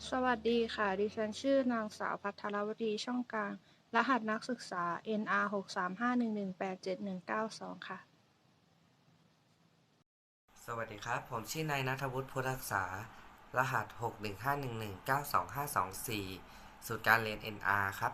สวัสดีค่ะ ดิฉันชื่อนางสาวภัทรวดีช่องกลาง รหัสนักศึกษา NR 63511871192ค่ะสวัสดีครับ ผมชื่อนายณัฐวุฒิพุทธรักษารหัส61511925524สูตรการเรียน NR ครับ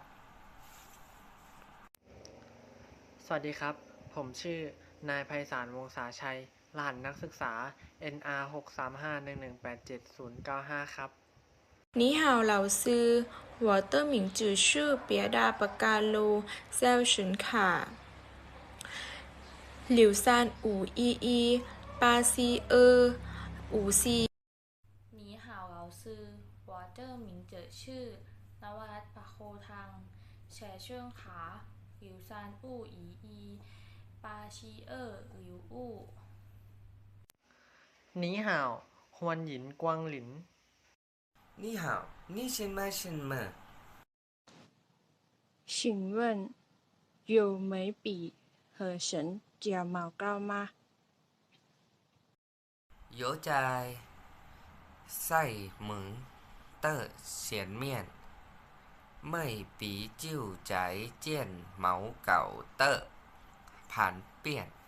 สวัสดีครับ ผมชื่อนายไพศาลวงศาชัย รหัสนักศึกษา NR 63511871095ครับ你好，老师，我的名字是别达巴嘎鲁肖寻卡，柳山5118425C。 你好，老师，我的名字是นวรัตน์ ประโคทังแฉเชิงขาหลิวซานอู่อีปาชีหลิวอู่你好ฮวนหยินกวางหลิน你好你是吗什么请问有眉笔和神睫毛膏吗？ 有在赛门的前面ไม่ปีจิ้วใจเจี้ยนเหมาเก่าเตอร์ผ่านเปี้ยน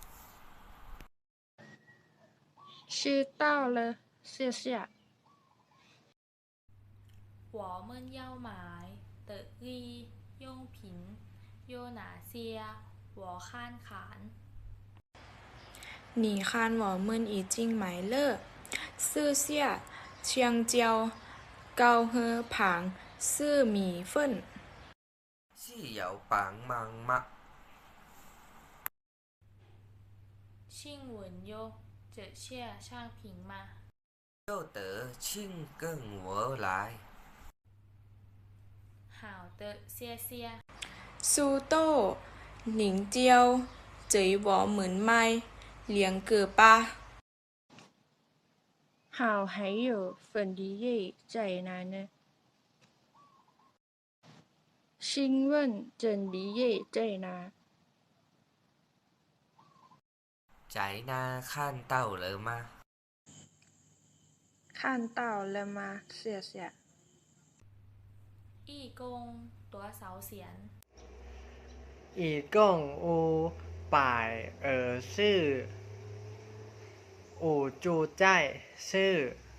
知道了，谢谢。 หัวเมินเย่าหมายเตอรี่ย่งผินโยหนาเซียหัวข้านขาน你看我们已经买了四下香蕉、高和旁四米粉。 ซี่เหยาปางมังมะชิ่งเหวินโยเจอเชี่ยช่างผิงมาโยเต๋อชิ่งเกิ้งหัวหลายห่าวเตอเซียเซีย苏豆、凝胶、嘴我们卖两个吧。 好，还有粉梨叶在哪呢？请问真梨叶在哪？ ใจนาขั้นเต้าเลยมา看到了吗？谢谢。 อี้กงตัวเสาเสียนอีก้งอูป่ายชื่ออูจูใจชื่อ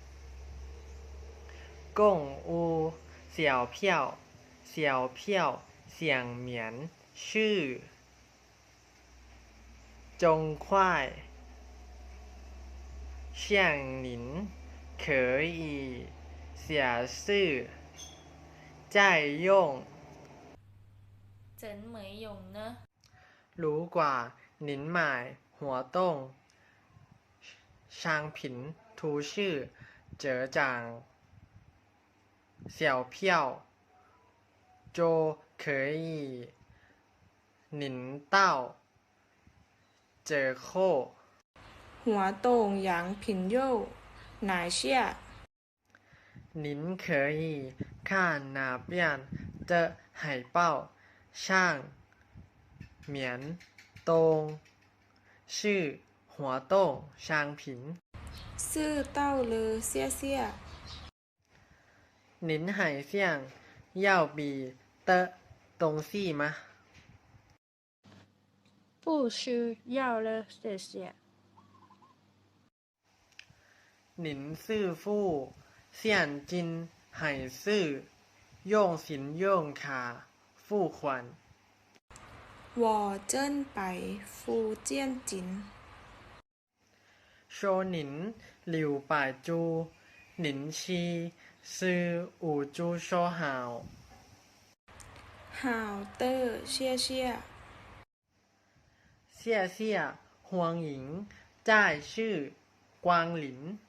ก้งอูเสี่ยวเพี้ยวเสี่ยวเพี้ยวเสี่ยงเหมียนชื่อจงควายเชี่ยงหนิน可以写是在用เจินเหมยหยงเนอะรู้กว่าหนินหมายหัวต้งชางผินทูชื่อเจ๋อจางเสี่ยวเพี้ยวโจเคยหนินเต้าเจอโค活动羊品肉哪下？ 您可以看哪边的海报上面东是活动商品是到了，谢谢。 您还想要别的东西吗？ 不需要了，谢谢。 您是付现金还是用信用卡付款？ 我正摆福建金。 说您留百株，您去是五株说好。 好的，谢谢。 谢谢欢迎再次光临